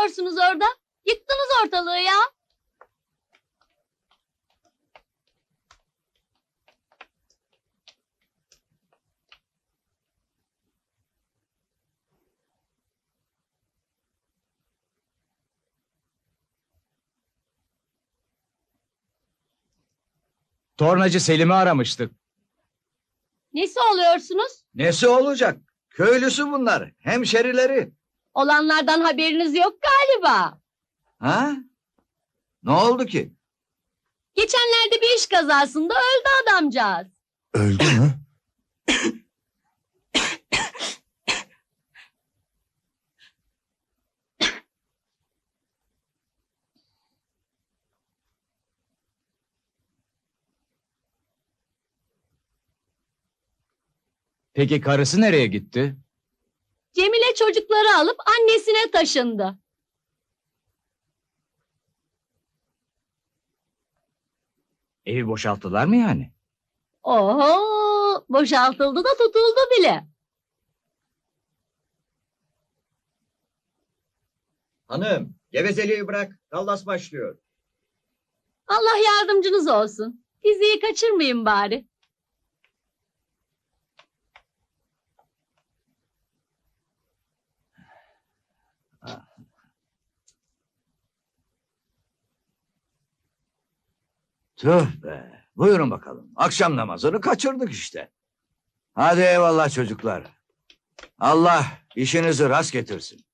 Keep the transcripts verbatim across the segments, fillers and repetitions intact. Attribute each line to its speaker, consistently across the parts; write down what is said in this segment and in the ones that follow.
Speaker 1: yapıyorsunuz orada? Yıktınız ortalığı ya.
Speaker 2: Tornacı Selim'i aramıştık.
Speaker 1: Nesi oluyorsunuz?
Speaker 3: Nesi olacak? Köylüsü bunlar, hemşerileri.
Speaker 1: Olanlardan haberiniz yok galiba.
Speaker 3: Ha? Ne oldu ki?
Speaker 1: Geçenlerde bir iş kazasında öldü adamcağız.
Speaker 4: Öldü mü?
Speaker 2: Peki karısı nereye gitti?
Speaker 1: Cemile çocukları alıp annesine taşındı.
Speaker 2: Evi boşalttılar mı yani?
Speaker 1: Oho, boşaltıldı da tutuldu bile.
Speaker 3: Hanım, gevezeliği bırak, dallas başlıyor.
Speaker 1: Allah yardımcınız olsun. Diziyi kaçırmayın bari.
Speaker 3: Tüh be, buyurun bakalım. Akşam namazını kaçırdık işte. Hadi eyvallah çocuklar. Allah işinizi rast getirsin.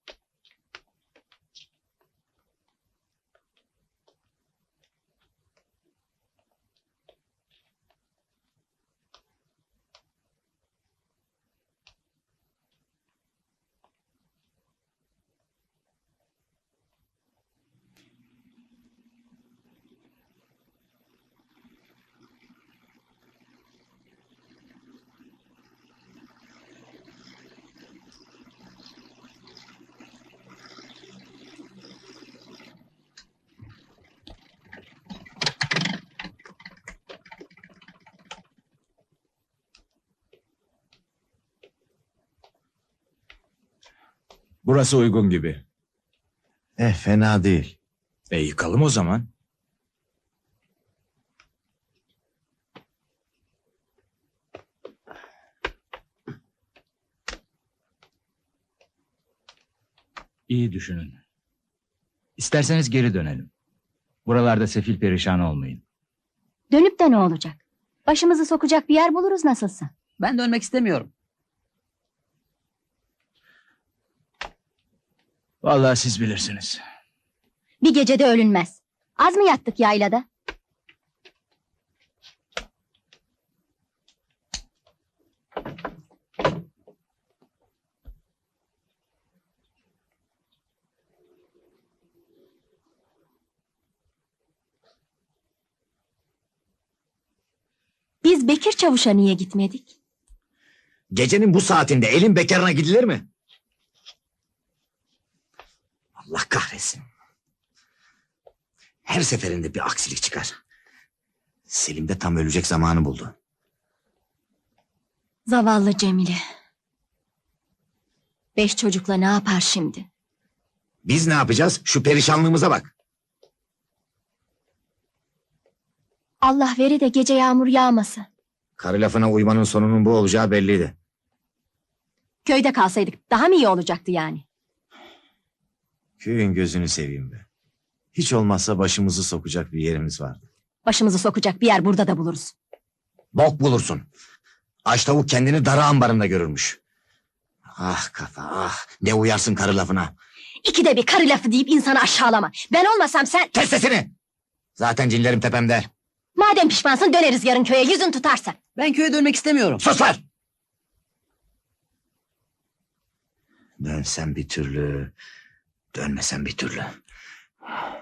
Speaker 2: Burası uygun gibi.
Speaker 4: Eh fena değil.
Speaker 2: E yıkalım o zaman. İyi düşünün. İsterseniz geri dönelim. Buralarda sefil perişan olmayın.
Speaker 5: Dönüp de ne olacak? Başımızı sokacak bir yer buluruz nasılsa.
Speaker 6: Ben dönmek istemiyorum.
Speaker 2: Vallahi siz bilirsiniz.
Speaker 5: Bir gecede ölünmez. Az mı yattık yaylada? Biz Bekir Çavuş'a niye gitmedik?
Speaker 4: Gecenin bu saatinde elin bekarına gidilir mi? Allah kahretsin. Her seferinde bir aksilik çıkar. Selim de tam ölecek zamanı buldu.
Speaker 5: Zavallı Cemile. Beş çocukla ne yapar şimdi?
Speaker 4: Biz ne yapacağız? Şu perişanlığımıza bak.
Speaker 5: Allah veri de gece yağmur yağması.
Speaker 4: Karı lafına uymanın sonunun bu olacağı belliydi.
Speaker 5: Köyde kalsaydık daha mı iyi olacaktı yani?
Speaker 4: Köyün gözünü seveyim be. Hiç olmazsa başımızı sokacak bir yerimiz vardı.
Speaker 5: Başımızı sokacak bir yer burada da buluruz.
Speaker 4: Bok bulursun. Aç tavuk kendini dara ambarında görürmüş. Ah kafa ah. Ne uyarsın karı lafına.
Speaker 5: İkide bir karı lafı deyip insanı aşağılama. Ben olmasam sen...
Speaker 4: Kes sesini. Zaten cinlerim tepemde.
Speaker 5: Madem pişmansın döneriz yarın köye yüzün tutarsa.
Speaker 6: Ben köye dönmek istemiyorum.
Speaker 4: Sus lan. Dönsem bir türlü. Dönmesem bir türlü.